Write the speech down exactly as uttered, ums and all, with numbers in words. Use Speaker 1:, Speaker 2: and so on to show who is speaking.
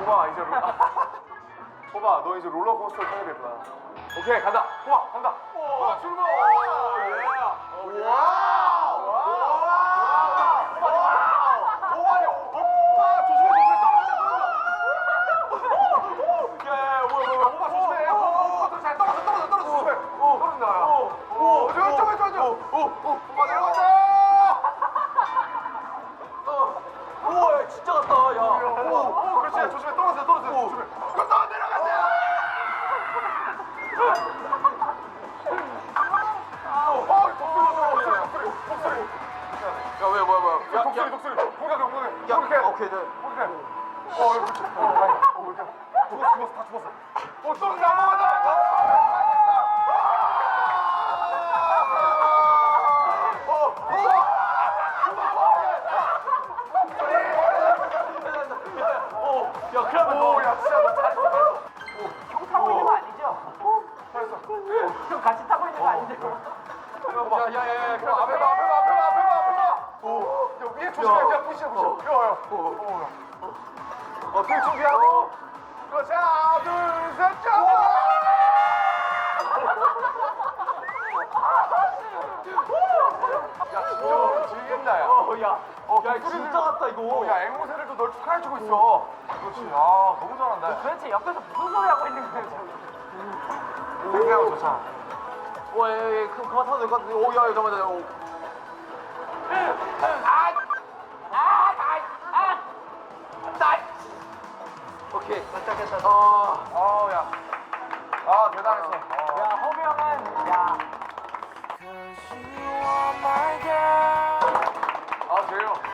Speaker 1: 호바 이제 롤 호바 너 이제 롤러코스터 타게 될 거야. 오케이 간다. 호바 간다. 호바 출발. 예. 와우. 호바야. 호바 조심해 조심해 떨어진다 떨어진다. 야 뭐야 뭐야 호바 조심해. 호바 잘 떨어져 떨어져 떨어져 조심해. 떨어진다. 오 저기 저기 저기. 오 호바 내려간다.
Speaker 2: 우와 진짜 같다 야.
Speaker 1: 오, 오, 그렇지. 조심해. 떨어져, 떨어져. 조심해. 갔다 내려간다. 어, 독수리, 독수리, 독수리.
Speaker 2: 야왜 뭐야 뭐야.
Speaker 1: 야, 독수리, 독수리. 공격, 공격.
Speaker 2: 야
Speaker 1: 이렇게.
Speaker 2: 오케이 네.
Speaker 1: 이렇게. 어, 그렇지. 어, 다행이다. 어, 이렇게. 죽었어, 죽었어, 다 죽었어. 어, 떨어져, 넘어가자.
Speaker 2: 야 그러면
Speaker 1: 오, 야, 진짜 너 잘했어, 잘했어.
Speaker 3: 형 타고 있는 거 아니죠?
Speaker 1: 잘했어.
Speaker 3: 형 같이 타고 있는 거 아니죠?
Speaker 1: 야야야야 그럼 앞에 봐 앞에 봐 앞에 봐 앞에 봐 앞에 봐. 오. 야 위에 조심해 그냥 푸시해 푸시. 야야. 오. 어 둘 준비하고. 그렇지 하나 둘셋 짠. 야 진짜 즐긴다 야.
Speaker 2: 어야
Speaker 1: 어,
Speaker 2: 야
Speaker 1: 독수리들-
Speaker 2: 진짜 같다 이거.
Speaker 1: 어, 야 앵무새들도 널 축하해주고 있어. 그렇지. 아 너무 잘한다.
Speaker 3: 도대체 옆에서 무슨 소리 하고 있는 거예요? 지금?
Speaker 1: 생각하고 좋잖아.
Speaker 2: 와야야 그럼 그만 타도 될 것 같은데. 오야 잠깐만 오. 오케이 시작했다. 아,
Speaker 1: 아우 야. 아 대단했어. 어.
Speaker 3: 야 허비 형은 야
Speaker 4: Cause you are my girl.